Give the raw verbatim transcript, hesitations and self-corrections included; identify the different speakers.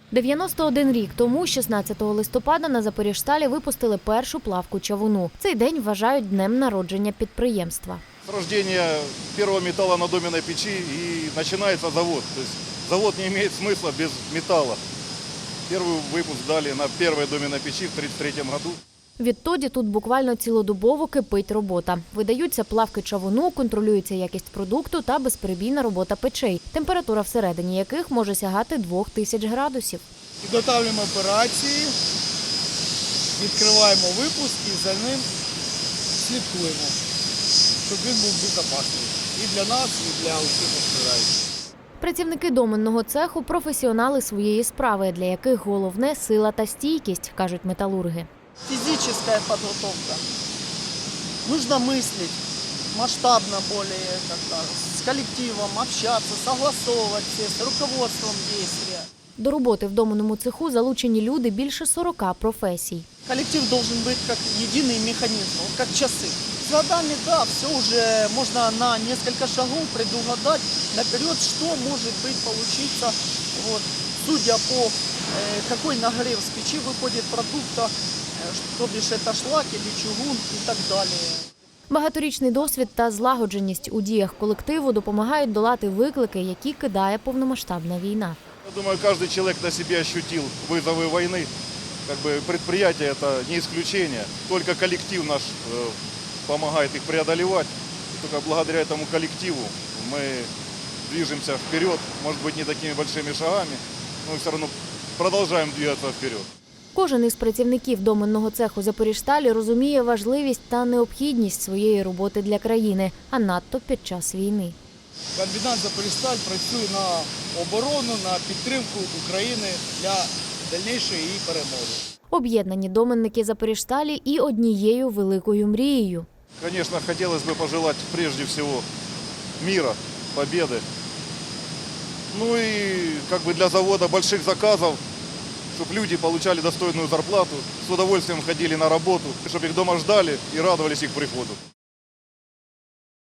Speaker 1: дев'яносто один рік тому, шістнадцятого листопада, на Запоріжсталі випустили першу плавку чавуну. Цей день вважають днем народження підприємства.
Speaker 2: С рождения первого металла на доменной печи и начинается завод. То есть завод не имеет смысла без металла. Первый выпуск дали на первой доменной печи в тридцать третьем году.
Speaker 1: Відтоді тут буквально цілодобово кипить робота. Видаються плавки чавуну, контролюється якість продукту та безперебійна робота печей, температура всередині яких може сягати двох тисяч градусів.
Speaker 3: Підготовлюємо операції, відкриваємо випуск і за ним слідкуємо, щоб він був безпечний і для нас, і для усіх постраждалих.
Speaker 1: Працівники доменного цеху – професіонали своєї справи, для яких головне – сила та стійкість, кажуть металурги.
Speaker 4: Физическая подготовка. Нужно мыслить масштабно более, как-то, с коллективом, общаться, согласовывать все, с руководством действия.
Speaker 1: До роботи в доменному цеху залучені люди більше сорока професій.
Speaker 4: Коллектив должен быть как единый механизм, вот как часы. С годами, да, все уже можно на несколько шагов предугадать наперед, что может быть получиться, вот, судя по э, какой нагрев с печи выходит продукта, то бишь это шлак или чугун и так далее.
Speaker 1: Багаторічний досвід та злагодженість у діях колективу допомагають долати виклики, які кидає повномасштабна війна.
Speaker 2: Я думаю, каждый человек на себе ощутил вызовы войны. Как бы предприятие – это не исключение. Только коллектив наш э, помогает их преодолевать. И только благодаря этому коллективу мы движемся вперед. Может быть, не такими большими шагами, но все равно продолжаем двигаться вперед.
Speaker 1: Кожен із працівників доменного цеху Запоріжсталі розуміє важливість та необхідність своєї роботи для країни, а надто під час війни.
Speaker 3: Комбінат «Запоріжсталь» працює на оборону, на підтримку України для дальнішої її перемоги.
Speaker 1: Об'єднані доменники Запоріжсталі і однією великою мрією.
Speaker 2: Конечно, хотелось бы пожелать прежде всего мира, победы. Ну и как бы для завода больших заказов, чтобы люди получали достойную зарплату, с удовольствием ходили на работу, чтобы их дома ждали и радовались их приходу.